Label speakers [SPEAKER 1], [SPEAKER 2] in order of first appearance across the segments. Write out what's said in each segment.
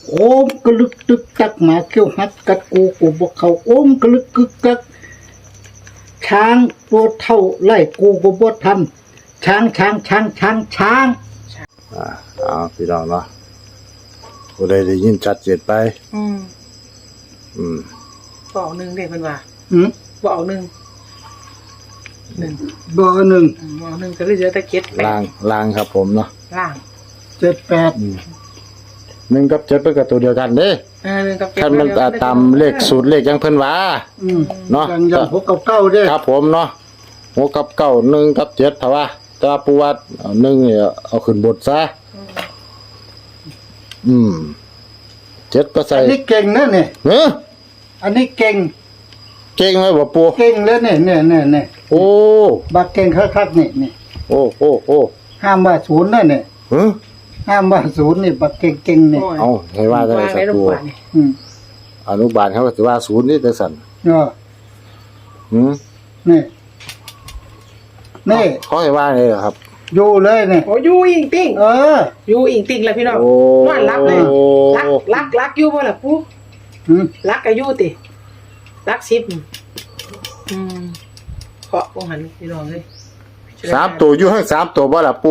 [SPEAKER 1] โอมกระลึกตึกตักหมาเขี้ยวหัดกัดกูบอกเขาโอมกระลึกกึกกักช้างตัวเท่าไล่กูบ่ทันช้าง
[SPEAKER 2] พี่น้องเนาะผู้ใดได้ยินชัดเจนไป
[SPEAKER 3] บอกหนึ่งเด็กมันว่า บอกหนึ่ง
[SPEAKER 1] บอกหนึ่ง
[SPEAKER 3] บอกหนึ่งก็เลยเจอตะเกียบ
[SPEAKER 2] ล่างครับผมเนาะ
[SPEAKER 3] ล่าง
[SPEAKER 1] 78
[SPEAKER 2] 1 กับ 7เป็นกับตัวเดียวกันเด้ท่านมันตามเลขสูตรเลขยังเพิ่นว่าเนาะ
[SPEAKER 1] อย่าง6 กับ 9เด้
[SPEAKER 2] ครับผมเนาะ6 กับ 9 1 กับ 7ถ้าว่าแต่ปูวัด1นี่เอาขึ้นบทซะ7ก็ใส่
[SPEAKER 1] อันนี้เก่งนะเนี่ยอันนี้เก่ง
[SPEAKER 2] ไหมบ่ปู่
[SPEAKER 1] เก่งแล้วเนี่ย
[SPEAKER 2] โอ้
[SPEAKER 1] บักเก่งคักๆนี่
[SPEAKER 2] โอ้
[SPEAKER 1] ห้ามว่า0นะเนี่ยห้ามว่า0นี่บักเก่งๆนี่
[SPEAKER 2] เอาให้ว่าได้สักปู่อนุบาลเขาก็สิว่า0นี่แต่สั่นนี่เขาให้ว่าไงครับ
[SPEAKER 1] อยู่เลยเนี่ย
[SPEAKER 3] โอ้อยู่อิงติ้งอยู่อิงติ้งแล้วพี่น้องนอนรับเลยรักอยู่บ่ล่ะปู่รักก็อยู่ติรัก10เคาะบ่หันพี่น้องเลย
[SPEAKER 2] 3ตัวอยู่ให้3ตัวบ่ล่ะปู่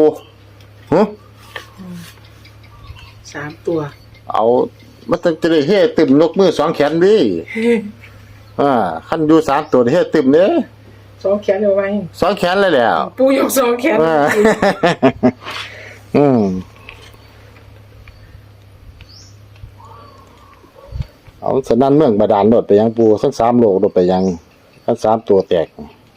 [SPEAKER 3] 3ตัว
[SPEAKER 2] เอามันจะได้เฮ็ดตึมนกมือ2แขนดิคันอยู่3ตัวเฮ็ดตึมเด้
[SPEAKER 3] 2แขนเอาไว้
[SPEAKER 2] 2แขนเลยแหละ
[SPEAKER 3] ปู่ยก2แขน
[SPEAKER 2] เอาสนั่นเมืองบาดาลโดดไปยังปู่ทั้ง3โลกโดดไปยังทั้ง3ตัวแตก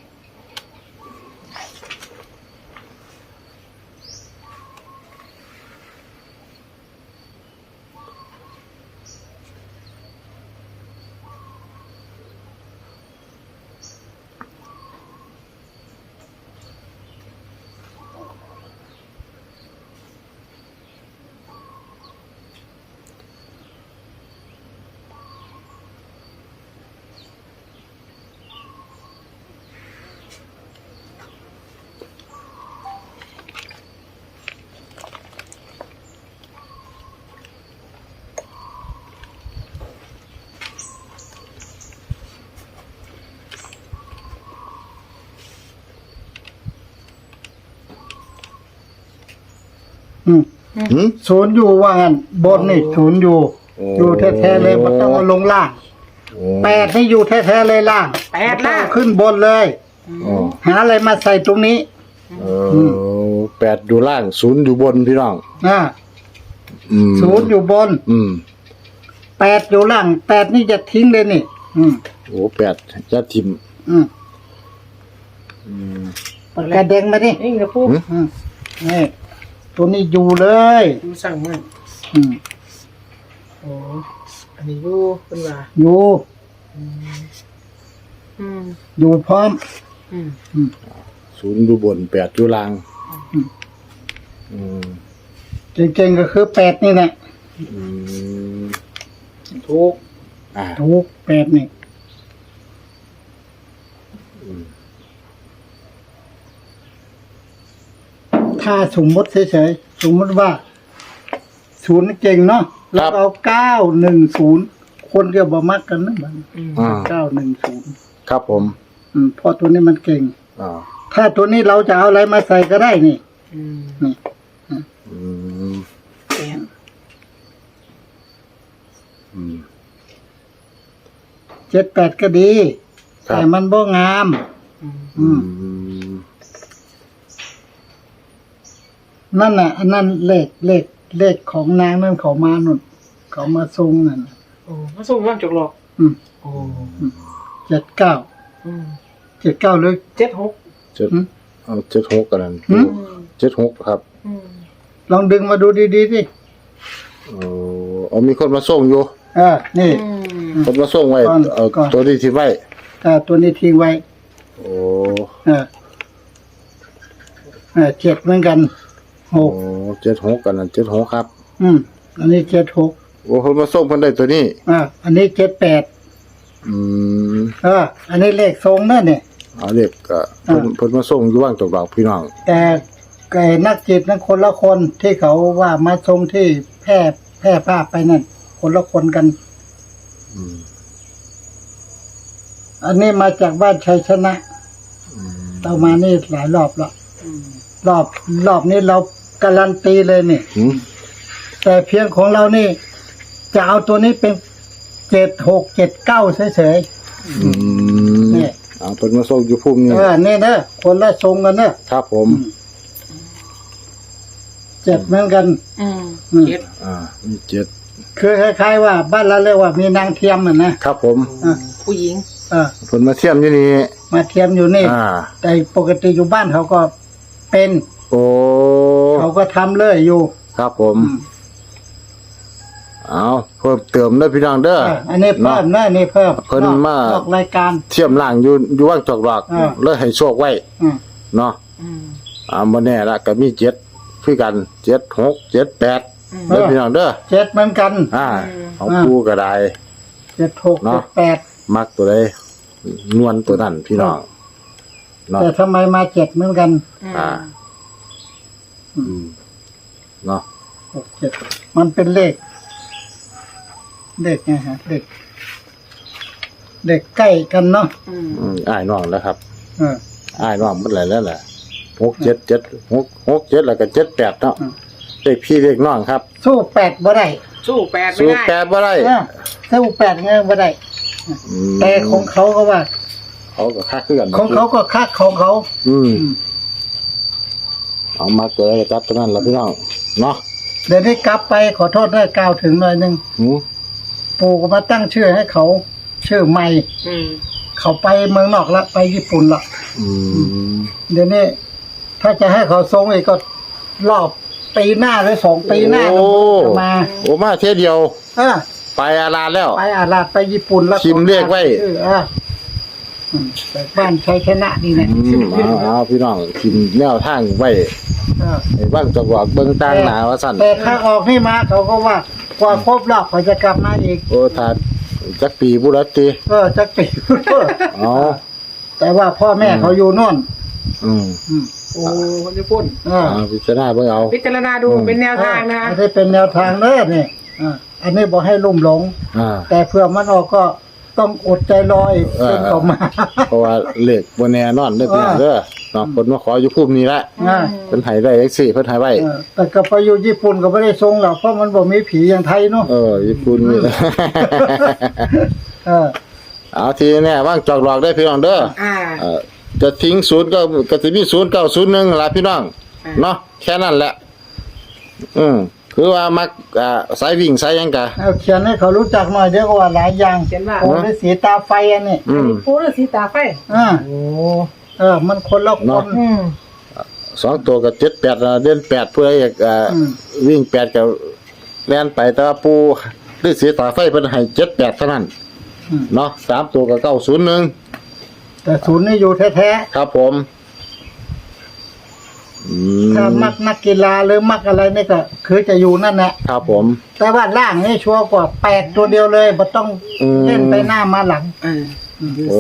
[SPEAKER 1] ศูนย์อยู่ว่างั้นบนนี่ศูนย์อยู่แท้ๆเลยไม่ต้องเอาลงล่าง8นี่อยู่แท้ๆเลยล่าง
[SPEAKER 3] 8ล่าง
[SPEAKER 1] ขึ้นบนเลยหาอะไรมาใส่ตรงนี้
[SPEAKER 2] 8อยู่ล่าง0อยู่บนพี่น้อง
[SPEAKER 1] 0อยู่บน8อยู่ล่าง8นี่จะทิ้งเลยนี่
[SPEAKER 2] โอ้8จะทิ่ม
[SPEAKER 1] กระเด้งมาดิ
[SPEAKER 3] นี่นะปู่
[SPEAKER 1] นี่ตัวนี้อยู่เลย
[SPEAKER 3] อยู่สั่งมันโอ้อันนี้อยู่เป็นว่า
[SPEAKER 1] อยู่พร้อม
[SPEAKER 2] 0อยู่บน8อยู่ล่าง
[SPEAKER 1] เก่งๆก็คือ8นี่แหละ
[SPEAKER 3] ถูก
[SPEAKER 1] 8นี่ถ้าสมมติเฉยๆสมมติว่า0เก่งเนาะแล้วเอา910คนก็บ่มักกันนะบัด910
[SPEAKER 2] ครับผม
[SPEAKER 1] เพราะตัวนี้มันเก่งถ้าตัวนี้เราจะเอาอะไรมาใส่ก็ได้นี่78ก็ดีแต่มันบ่งามนั่นน่ะอันนั้นเลขของนางนั่นเขามานุ่นเขามาทรงนั่น
[SPEAKER 3] มาส่งว่างจกหลอก
[SPEAKER 1] 79หรือ
[SPEAKER 2] 76กันนั่น76ครับ
[SPEAKER 1] ลองดึงมาดูดีๆสิ
[SPEAKER 2] มีคนมาส่งอยู่
[SPEAKER 1] นี่
[SPEAKER 2] คนมาส่งไว้เอาตัวนี้ทิ้งไว้
[SPEAKER 1] ตัวนี้ทิ้งไว้7เหมือนกัน
[SPEAKER 2] 76กันนั่น76ครับ
[SPEAKER 1] อันนี้76
[SPEAKER 2] โอ้คนมาส่งเพิ่นได้ตัวนี้
[SPEAKER 1] อันนี้78อันนี้เลขทรงนั่นเนี่ย
[SPEAKER 2] เลขก็เพิ่นมาส่งอยู่ว่างตกดอกพี่น้อง
[SPEAKER 1] แต่ไก่นักจิตนั้นคนละคนที่เขาว่ามาทรงที่แพร่ภาพไปนั่นคนละคนกัน
[SPEAKER 2] อืม
[SPEAKER 1] อันนี้มาจากบ้านชัยชนะเรามานี่หลายรอบแล้วรอบนี้เราการันตีเลยนี่
[SPEAKER 2] อืม
[SPEAKER 1] แต่เพียงของเรานี่ จะเอาตัวนี้เป็น7679เฉย
[SPEAKER 2] อืม
[SPEAKER 1] ๆนี่
[SPEAKER 2] เอาเป็นมาส่งอยู่ภูมินี่
[SPEAKER 1] นี่นะคนละทรงกันนะครับ
[SPEAKER 2] ผม
[SPEAKER 1] 7เหมือนกัน
[SPEAKER 3] อืม
[SPEAKER 1] อืม
[SPEAKER 3] เจ็ด
[SPEAKER 2] มีเจ็ด
[SPEAKER 1] คือคล้ายๆว่าบ้านเราเรียกว่ามีนางเทียมนะครับ
[SPEAKER 2] ผม
[SPEAKER 1] อ่ะ
[SPEAKER 3] ผู้หญิง
[SPEAKER 2] เพิ่นมาเทียมอยู่นี่
[SPEAKER 1] มาเทียมอยู่นี่ แต่ปกติอยู่บ้านเขาก็เป็น
[SPEAKER 2] โอ้
[SPEAKER 1] เขาก็ทำเลยอยู่
[SPEAKER 2] ครับผมเอาเพิ่มเติมเด้อพี่น้องเด้อ
[SPEAKER 1] อันนี้เพิ่มนะนี่เพิ่ม
[SPEAKER 2] เพิ่นมา
[SPEAKER 1] นอกรายการ
[SPEAKER 2] เทียมล่างอยู่ว่างจอกหลอก เลยให้โชคไว้
[SPEAKER 1] อืม
[SPEAKER 2] เนาะ
[SPEAKER 3] อืม
[SPEAKER 2] บ่แน่ละก็มี7คือกัน7 6 7 8เด้อพี่น้องเด้อ
[SPEAKER 1] 7เหมือนกัน
[SPEAKER 2] ของปูก็ได้
[SPEAKER 1] 76
[SPEAKER 2] เนาะ
[SPEAKER 1] 78
[SPEAKER 2] มักตัวใดนวลตัวนั้นพี่น้องเนาะ
[SPEAKER 1] แต่ทำไมมา7เหมือนกัน
[SPEAKER 2] อ่าเนาะ
[SPEAKER 1] 67มันเป็นเลขไงฮะเลขใกล้กันเนาะ
[SPEAKER 2] อ้ายน้องแล้วครับ
[SPEAKER 1] เออ
[SPEAKER 2] อ้ายน้องมันหลายแล้วแหละ6 7 7 6 6 7แล้วก็7 8เนาะเลขพี่เลขน้องครับ
[SPEAKER 1] สู้8บ่ได้
[SPEAKER 3] สู้แปดไม่
[SPEAKER 2] สู้
[SPEAKER 3] ได้
[SPEAKER 2] 8บ่ได้
[SPEAKER 1] สู้8ไงบ่ได้
[SPEAKER 2] อืม
[SPEAKER 1] แต่ของเขาก็ว่า
[SPEAKER 2] เขาก็คักคือกัน
[SPEAKER 1] ของเขาก็คักของเขา
[SPEAKER 2] เอามาตัวใดก็จัดตัวนั้นล่ะพี่น้องเนาะ
[SPEAKER 1] เดี๋ยวนี้กลับไปขอโทษนะกล่าวถึงหน่อยหนึง
[SPEAKER 2] หือ
[SPEAKER 1] ปู่ก็มาตั้งชื่อให้เขา ชื่อใหม่
[SPEAKER 3] อืม
[SPEAKER 1] เขาไปเมืองนอกละไปญี่ปุ่นละ
[SPEAKER 2] อืม
[SPEAKER 1] เดี๋ยวนี้ถ้าจะให้เขาทรงอีกก็รอบปีหน้าหรือ2 ปีหน้า
[SPEAKER 2] โอ้
[SPEAKER 1] จะมา
[SPEAKER 2] โอ้มาเที่ยวเดียว
[SPEAKER 1] เออ
[SPEAKER 2] ไปอาลาแล้ว
[SPEAKER 1] ไปอาลาดไปญี่ปุ่นแล้ว
[SPEAKER 2] พิมพ์เรียกไว้
[SPEAKER 1] แต่บ้านชัยชนะนี่นะ
[SPEAKER 2] เอาพี่น้องพิมพ์แนวทางไว้
[SPEAKER 1] เออ
[SPEAKER 2] ให้บ้างจักบอกเบิ่งต่างหน้าว่าซั่น
[SPEAKER 1] แต่ถ้าออกนี่มาเขาก็ว่ากว่าครบรอบเขาจะกลับมาอีก
[SPEAKER 2] โอ้ถ้าจักปีบุรติ
[SPEAKER 1] จักปี
[SPEAKER 2] อ๋อ
[SPEAKER 1] แต่ว่าพ่อแม่เขาอยู่โน่น
[SPEAKER 2] อืม
[SPEAKER 3] โอ้คนญี่ปุ่น
[SPEAKER 2] พิจารณาเบิ่งเอา
[SPEAKER 3] พิจารณาดูเป็นแนวทางนะคะ
[SPEAKER 1] อันนี้เป็นแนวทางเด้อนี่อันนี้บอกให้ลุ่มหลง แต่เพื่อมันออกก็ต้องอดใจรออีกจนเขามา
[SPEAKER 2] เพราะว่าเลขบ่แน่นอนเด้อพี่น้องเด้อเนาะเพิ่นมาขออยู่ภูมินี้ละ
[SPEAKER 1] อ่า
[SPEAKER 2] เพิ่นให้ได้จังซี่เพิ่นให้ไว้
[SPEAKER 1] แต่ก็ไปอยู่ญี่ปุ่นก็ไม่ได้ทรงหรอกเพราะมันบอกมีผีอย่างไทยเนาะ
[SPEAKER 2] ญี่ปุ่นนี่ เอาทีแน่ว่างจอกหลอกได้พี่น้องเด้อ จะทิ้งศูนย์ก็สิมี0901ล่ะพี่น้องเนาะแค่นั้นแหละคือว่ามักสายวิ่งสายหยังกะ
[SPEAKER 1] เอาเขียนให้เขารู้จักหน่อยเดี๋ยวก็ว่าหลายอย่าง
[SPEAKER 3] เขียนว่า
[SPEAKER 1] โอ้ฤาษีตาไฟอันนี้
[SPEAKER 3] ปูฤาษีตาไฟ
[SPEAKER 1] มันคนละคน
[SPEAKER 2] 2ตัวก็78เด่น8เพื่ออยากวิ่ง8ก็แล่นไปแต่ว่าปูฤาษีตาไฟเพิ่นให้78เท่านั้นเนาะ3ตัวก็901
[SPEAKER 1] แต่ศูนย์นี่อยู่แท้
[SPEAKER 2] ครับผม
[SPEAKER 1] ๆถ้ามักนักกีฬาหรือมักอะไรนี่ก็คือจะอยู่นั่นแหละ
[SPEAKER 2] ครับผม
[SPEAKER 1] แต่ว่าล่างนี่ชัวร์กว่า8ตัวเดียวเลยบ่ต้องเล่นไปหน้ามาหลัง
[SPEAKER 2] โอ้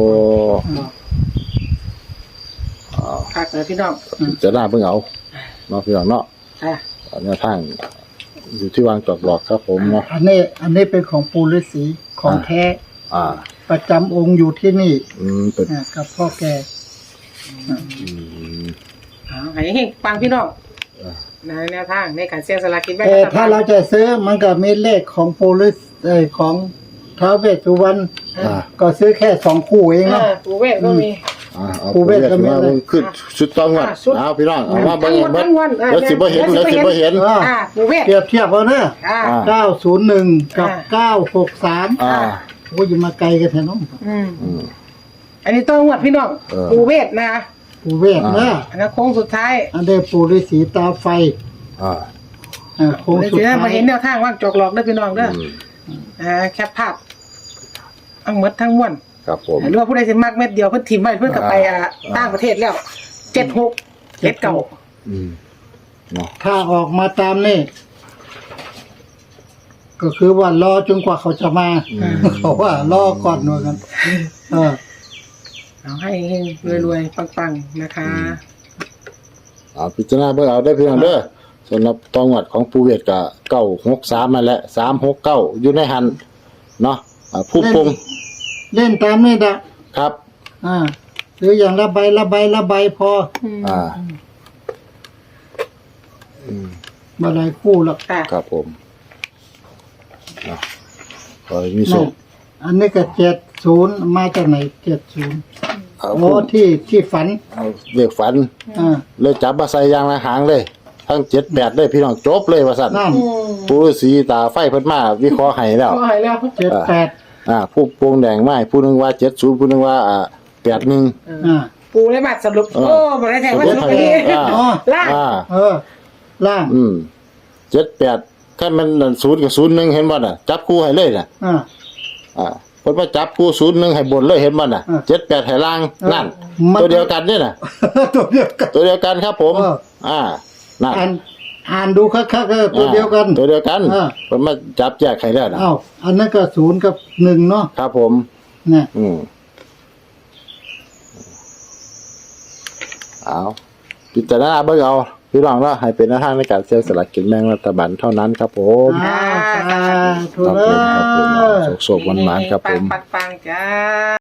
[SPEAKER 3] คักเลยพี่น้อง
[SPEAKER 2] จะน่าเพิ่งเอาเนาะพี่น้องเนาะ
[SPEAKER 3] อ่ะ
[SPEAKER 2] แนวทางอยู่ที่วางจอกหลอกครับผมเนาะ
[SPEAKER 1] อันนี้เป็นของปู่ฤาษีของแท้ ประจำองค์อยู่ที่นี่
[SPEAKER 2] เป็น
[SPEAKER 1] กับพ่อแก
[SPEAKER 3] ให้เฮงฟังพี่น้องในแนวทางในการเสี่ยงสลากกินแบ่ง
[SPEAKER 1] แต่
[SPEAKER 3] รัฐบาล
[SPEAKER 1] ถ้าเราจะซื้อมันก็มีเลขของปู่ฤาษีของท้าวเวสสุวรรณก็ซื้อแค่2 คู่เองเนาะ
[SPEAKER 3] ปูเวทก็มี
[SPEAKER 2] ปูเวทก็มาขึ้นชุดต้องวัดเอาพี่น้องเอามาเบิ่งเบิ่งแล้วสิบ่เห็น
[SPEAKER 3] ปูเวท
[SPEAKER 1] เปรียบเทียบเอาเนอะ901 กับ 963โอ้ยมาไกลกันแท้เนาะ
[SPEAKER 3] อันนี้ต้องวัดพี่น้องปูเวทนะ
[SPEAKER 1] ปู่เวทนะ
[SPEAKER 3] อันนั้นโค้งสุดท้าย
[SPEAKER 1] อันนี้ปู่ฤาษีตาไฟโค้งสุดท้าย
[SPEAKER 3] มาเห็นแนวทางว่างจอกหลอกได้พี่น้องเด้อแคปภาพทั้งหมดทั้งมวล
[SPEAKER 2] ครับผม
[SPEAKER 3] หรือว่าผู้ใดสิมักเม็ดเดียวเพิ่นถิ่มไว้เพิ่นก็ไปต่างประเทศแล้ว76 79
[SPEAKER 1] ถ้าออกมาตามนี่ก็คือว่ารอจนกว่าเขาจะมาเขาว่ารอก่อนหน่อยกัน
[SPEAKER 3] เอาให้รวยๆปังๆนะคะ
[SPEAKER 2] เอาพิจารณาเบิ่งเอาได้พี่น้องเด้อสำหรับตัวงวดของปูเวทก็963นั่นแหละ369อยู่ในหันเนาะผู้ปรุง
[SPEAKER 1] เล่นตามนี่ดะ
[SPEAKER 2] ครับ
[SPEAKER 1] หรืออย่างละใบพอ
[SPEAKER 2] อ่า
[SPEAKER 1] มาหลายคู่หรอก
[SPEAKER 3] ค่ะ
[SPEAKER 2] ครับผมขอให้มีโช
[SPEAKER 1] นั่น
[SPEAKER 2] ค
[SPEAKER 1] อันนี้ก็70มาจากไหน70
[SPEAKER 2] เอา
[SPEAKER 1] โอ้ที่ฝัน
[SPEAKER 2] เด็กฝัน เลยจับมาใส่ยางละหางเลย ทั้ง78เลยพี่น้องจบเลยว่าซั่น
[SPEAKER 1] นั่น
[SPEAKER 2] ปูฤาษีตาไฟเพิ่นมาวิเคราะห์ให้แล้ว
[SPEAKER 3] ก็หายแล้ว
[SPEAKER 1] 78
[SPEAKER 2] ผู้โปรงแดงไม้ผู้หนึงว่า70ผู้หนึงว่า81
[SPEAKER 3] ปูเลยมาสรุปโอ้บ่ได้แทงว่าสรุปอันนี้
[SPEAKER 1] อ๋อ
[SPEAKER 3] ล่าง
[SPEAKER 1] ล่าง
[SPEAKER 2] 78คันมัน0กับ01เห็นบ่น่ะจับคู่ให้เลยน่ะเพิ่นมาจับคู่01ให้บนเลยเห็นบ่น่ะ78ให้ล่างนั่นตัวเดียวกันนี่น่ะ
[SPEAKER 1] ตัวเดียวกัน
[SPEAKER 2] ตัวเดียวกันครับผมนั่น
[SPEAKER 1] อ่านดูคักๆตัวเดียวกัน
[SPEAKER 2] ตัวเดียวกันเพิ่นมาจับแยกให้แล้วน่ะ
[SPEAKER 1] อ้าวอันนั้นก็0กับ1เนาะ
[SPEAKER 2] ครับผม
[SPEAKER 1] เนี่ย เอาพิจารณาเบิ่งเอาพี่น้องว่าให้เป็นหน้าทางในการเสี่ยงสลากกินแบ่งรัฐบาลเท่านั้นครับผมถู
[SPEAKER 2] ค
[SPEAKER 1] ก
[SPEAKER 2] รับ
[SPEAKER 1] แล้
[SPEAKER 2] ผมครับผม
[SPEAKER 1] ว
[SPEAKER 2] โศกๆหวานๆครับผม
[SPEAKER 3] ปังๆจ้า